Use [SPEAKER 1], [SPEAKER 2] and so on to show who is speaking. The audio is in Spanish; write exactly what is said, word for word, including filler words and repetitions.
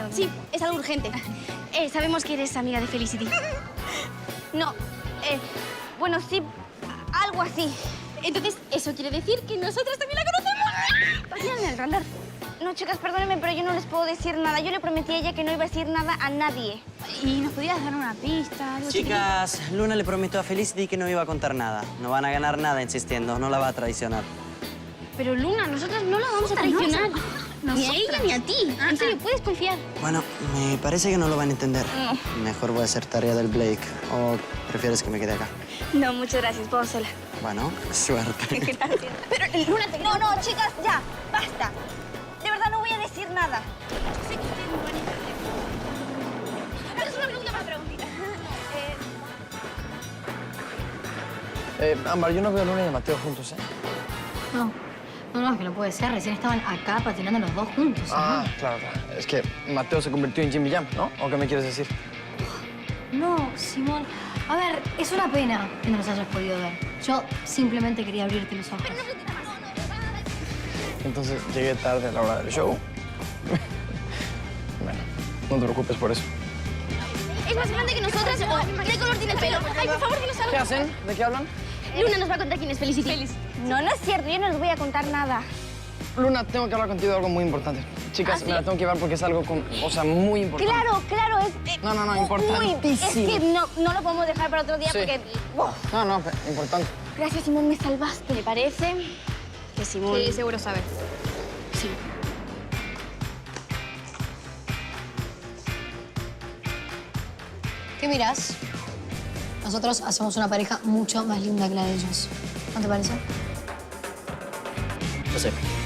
[SPEAKER 1] Sí, es algo urgente. Eh, sabemos que eres amiga de Felicity.
[SPEAKER 2] No, eh, bueno, sí, algo así.
[SPEAKER 1] Entonces, eso quiere decir que nosotras también la conocemos.
[SPEAKER 2] Vayan al radar. No, chicas, perdónenme, pero yo no les puedo decir nada. Yo le prometí a ella que no iba a decir nada a nadie.
[SPEAKER 1] ¿Y nos podrías dar una pista? Algo
[SPEAKER 3] Chicas, Luna le prometió a Felicity que no iba a contar nada. No van a ganar nada insistiendo, no la va a traicionar.
[SPEAKER 1] Pero Luna, nosotras no la vamos a traicionar. Ni a ella ni a ti. En serio, puedes confiar.
[SPEAKER 3] Bueno, me parece que no lo van a entender. Mejor voy a hacer tarea del Blake. ¿O prefieres que me quede acá?
[SPEAKER 2] No, muchas gracias, puedo sola.
[SPEAKER 3] Bueno, suerte.
[SPEAKER 2] Gracias. Pero, Luna, te... No, no, chicas, ya, basta. De verdad no voy a decir nada.
[SPEAKER 1] Sé que ustedes no van a entender. Pero es una pregunta más preguntita.
[SPEAKER 2] Eh,
[SPEAKER 4] Eh, Ámbar, yo no veo a Luna y a Mateo juntos, ¿eh?
[SPEAKER 5] No, no, no, es que no puede ser. Recién estaban acá patinando los dos juntos.
[SPEAKER 4] Ah, claro, claro. Es que Mateo se convirtió en Jimmy Jam, ¿no? ¿O qué me quieres decir?
[SPEAKER 5] No, Simón. A ver, es una pena que no los hayas podido ver. Yo simplemente quería abrirte los ojos.
[SPEAKER 4] Entonces llegué tarde a la hora del show. Bueno, no te preocupes por eso.
[SPEAKER 1] Es más grande que nosotras. ¿Qué color tiene el pelo? Ay, por favor, dinos algo.
[SPEAKER 4] ¿Qué hacen? ¿De qué hablan?
[SPEAKER 1] Luna nos va a contar quién es Felicity.
[SPEAKER 2] no, no es cierto, yo no les voy a contar nada.
[SPEAKER 4] Luna, tengo que hablar contigo de algo muy importante. Chicas,
[SPEAKER 1] ¿Ah, sí?
[SPEAKER 4] me la tengo que llevar porque es algo, con, o sea, muy importante.
[SPEAKER 2] Claro, claro, es... eh,
[SPEAKER 4] No, no, no,
[SPEAKER 2] muy-
[SPEAKER 4] importantísimo.
[SPEAKER 2] Es que no, no lo podemos dejar para otro día
[SPEAKER 4] Sí.
[SPEAKER 2] porque... ¡Uf!
[SPEAKER 4] No, no, pe- importante.
[SPEAKER 2] Gracias, Simón, me salvaste.
[SPEAKER 1] Me parece que Simón...
[SPEAKER 6] Sí, seguro sabes.
[SPEAKER 1] Sí.
[SPEAKER 5] ¿Qué miras? Nosotros hacemos una pareja mucho más linda que la de ellos. ¿No te parece?
[SPEAKER 3] Yo sé.